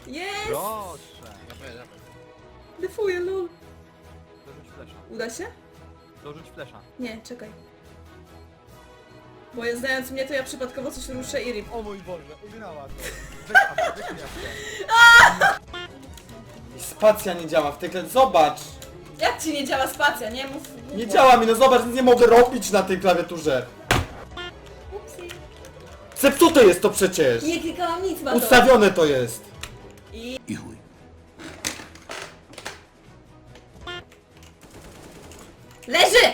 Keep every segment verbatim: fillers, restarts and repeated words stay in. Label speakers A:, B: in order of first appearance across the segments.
A: Jest!
B: Proszę.
C: Dawaj, dawaj.
A: Defuję, lol.
B: Dorzuć flesza.
A: Uda się?
B: Dorzuć flesza.
A: Nie, czekaj. Bo ja znając mnie, to ja przypadkowo coś ruszę i rip.
B: O mój Boże, ugrała to. Czekam, wyśmiać
D: Spacja nie działa w tej klawiaturze. Zobacz!
A: Jak ci nie działa spacja, nie? Mów... mów
D: Nie
A: mów.
D: działa mi, no zobacz, nic nie mogę robić na tej klawiaturze.
A: Upsi.
D: Zepsute jest to przecież!
A: Nie klikałam nic, ma to.
D: Ustawione to jest!
A: I...
C: I chuj.
A: Leży!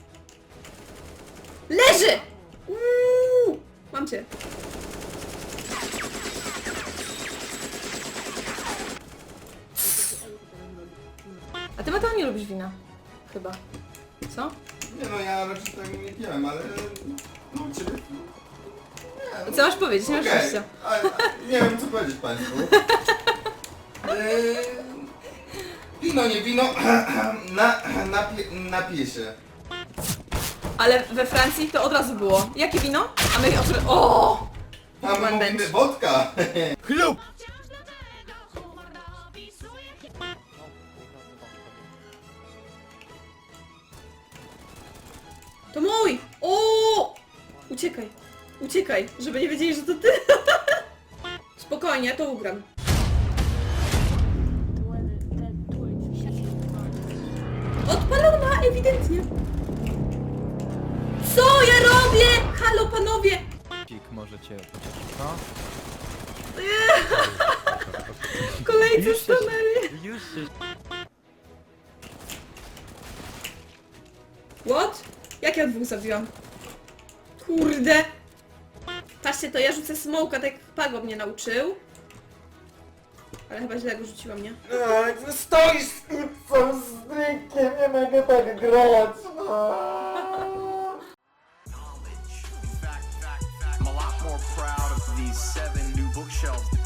A: Leży! Uuu, mam cię. A ty Mateo nie lubisz wina? Chyba. Co?
D: Nie no, ja raczej tego nie piłem, ale... No ciebie...
A: I co masz powiedzieć? Nie masz
D: Okej,
A: szczęścia.
D: ale nie wiem co powiedzieć państwu. Eee, wino, nie wino, na, napie, napiję się.
A: Ale we Francji to od razu było. Jakie wino? A my od razu... O!
D: A my
A: One
D: mówimy
A: bench.
D: wodka.
B: Chlub!
A: To mój! O! Uciekaj. Uciekaj, żeby nie wiedzieli, że to ty. Spokojnie, ja to ugram. Odpalona, ewidentnie. Co ja robię? Halo, panowie!
B: Pik może cię pocieszyć, no?
A: Kolejcy stanęli.
B: Już się...
A: What? Jak ja dwóch zabiłam? Kurde! Patrzcie, to ja rzucę smoka, tak jak Pago mnie nauczył. Ale chyba źle go rzuciłam, nie?
D: Stoisz z pizzą, z drinkiem, nie mogę tak grać.
E: I'm a lot more proud of these seven new bookshelves.